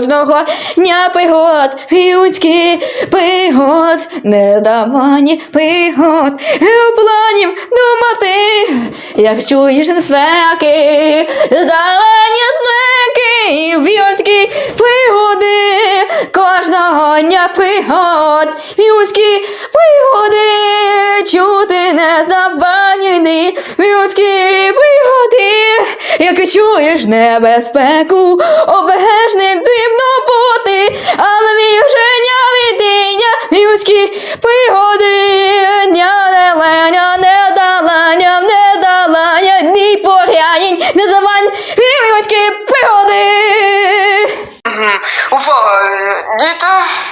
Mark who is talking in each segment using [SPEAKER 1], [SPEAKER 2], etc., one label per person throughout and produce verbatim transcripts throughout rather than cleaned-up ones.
[SPEAKER 1] кожного дня пригод, людських пригод, нездавані пригод, у планів думати, як чуєш інфеки, здавані знаки, людські пригоди, кожного дня пригод, людські пригоди, чути нездавані людські пригоди, як чуєш небезпеку, обережним дрібно бути, але віження відіння, людські пригоди, дня неленя, недалання, недалання, ні порянень, не завань, людські пригоди.
[SPEAKER 2] Увага, діти.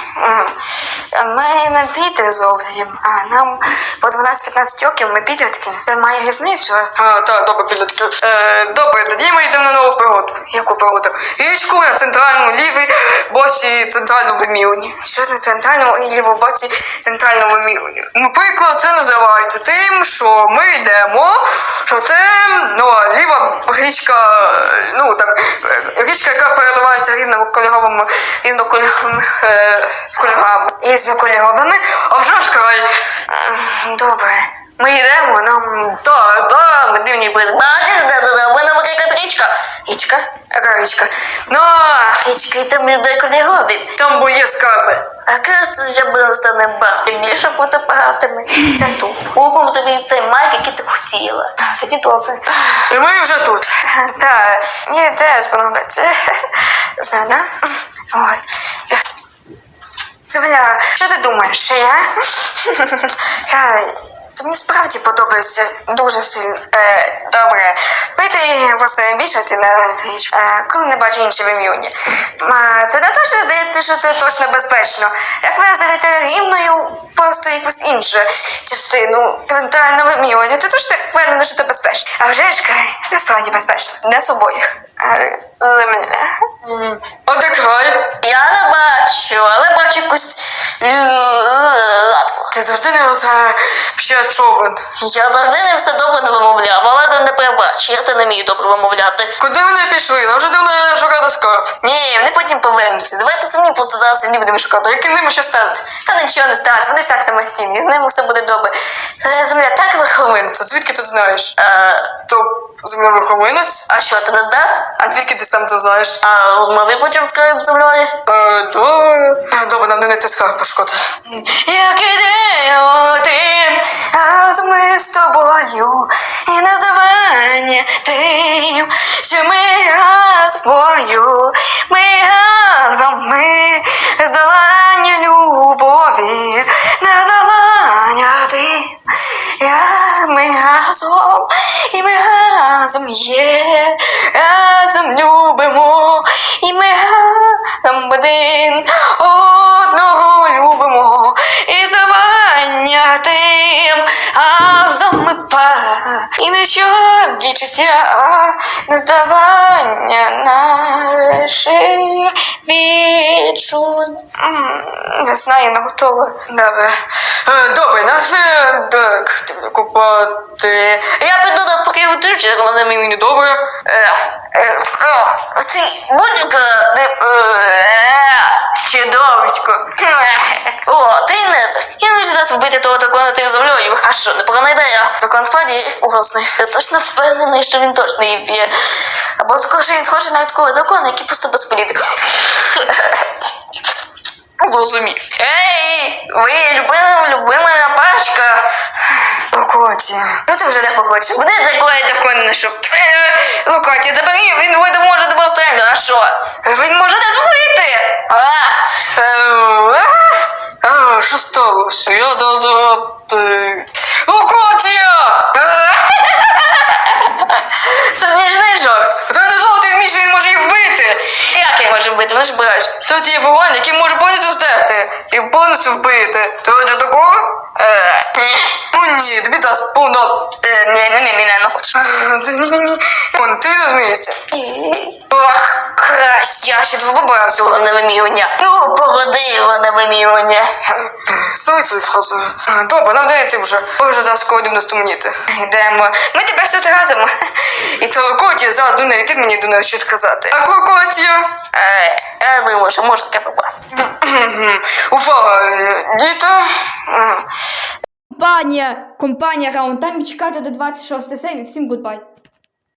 [SPEAKER 2] Ми не діти зовсім, а нам по дванадцять-п'ятнадцять років, ми підлітки. Це має різницю. А, так, добре, підлітки. Е, добре, тоді ми йдемо на нову пригоду. Яку пригоду? Річку на центральному лівій боці центральному вимірюванні. Що це центральному і лівому боці центральному вимірюванні? Наприклад, це називається тим, що ми йдемо, що це, ну, ліва річка, ну, там, річка, яка переливається різнокольоровими, різнокольоровими е, кольорами. Різнокольоровими? А вже ж край. Добре. Ми йдемо, нам... Так, так, ми дивні були. Бачиш, да-да-да, ми нам якась річка. Річка? Яка річка? Ну, річка, і там людей кольорові. Там бо є скарби. А якраз вже будемо з тобою багати. Більше бути багатими. Це тут. Купимо тобі цей майк, який ти хотіла. Тоді добре. І ми вже тут. Так, мені теж подобається. Земля. Ой. Земля, що ти думаєш, що я? Це мені справді подобається дуже сильно. Е, добре. Давайте просто більшати на річ, е, коли не бачу інші вимірювання. А, це не точно здається, що це точно безпечно. Як ви називаєте рівною, просто якусь іншу частину центрального вимірювання, це точно впевнено, що це безпечно. А вже ж, це справді безпечно. Для обоїх. Земля. А де край? Я не бачу, але бачу якусь латку. Ти завжди не розгадуєш човен. Я завжди не все добре не вимовляв, але ти не перебач, я ти не вмію добре вимовляти. Куди вони пішли? Нам вже давно шукати скарб. Ні, вони потім повернуться. Давайте самі просто зараз самі будемо шукати. Як з ними що станеться? Та нічого не станеться, вони ж так самостійні, з ними все буде добре. Це земля так верховиниться. Звідки ти знаєш? А, то земля верховинець? А що, ти не здав? А звідки ти сам це знаєш? А розмови почав скарб з землею? А, добре. Добре, нам не знайти скарб пошкоди. Як ідею тим, разом ми з тобою, і називання тим, що ми разом, ми разом, ми здолання любові, називання тим, як ми разом, і ми разом є, разом любимо, і ми разом один одного любимо, і завання тим, разом ми пара, і нічого відчуття, не здавання наших відчуть. Не знаю, не готова. Добре. Добре, нас не так купати. Я піду до поки витручу, головне мені не добре. Ти будь-яка чудовочко. О, ти не це. Я не зараз вбити того дракона тим землею. А що, непогана ідея. Дракон Фаді угрозний. Я точно впевнений, що він точно її вб'є. Або також він схожий на такого дракона, який просто без політики. Розумів. Ей, ви любима, любима пачка. Локоті. Ну ти вже не похочеш. Куди такої дракон не щоб? Локоті, забери, він може тебе стрельнути. А що? Він може не зробити. А, що сталося? Я дозрати. Локотія! Це смішний жарт. Та не зовсім вмієш, він може їх вбити. Як він може вбити? Вони ж бирають. Тут є вогонь, який може повністю здерти. І повністю вбити. Ти хочеш такого? Ну ні, тобі дасть повно. Ні, ні, ні, ні, не хочу. Ні-ні-ні. Вон, ти розумієшся. Ох, крась. Я ще тебе побрав цього на вимірювання. Ну, погоди його на вимірювання. Знову свою фразу. Добре, нам дай ти вже. Ой, вже дасть скоро дивно стумніти. Йдемо. Ми тепер тут разом. І це Локотія зараз думає, який мені до нас щось сказати. А Локотія? Е, думаю, що може таке попасти.
[SPEAKER 3] Увага, діти.
[SPEAKER 1] Компанія, компанія Раунд Тайм. Чекайте до двадцять шостої серії. Всім гудбай.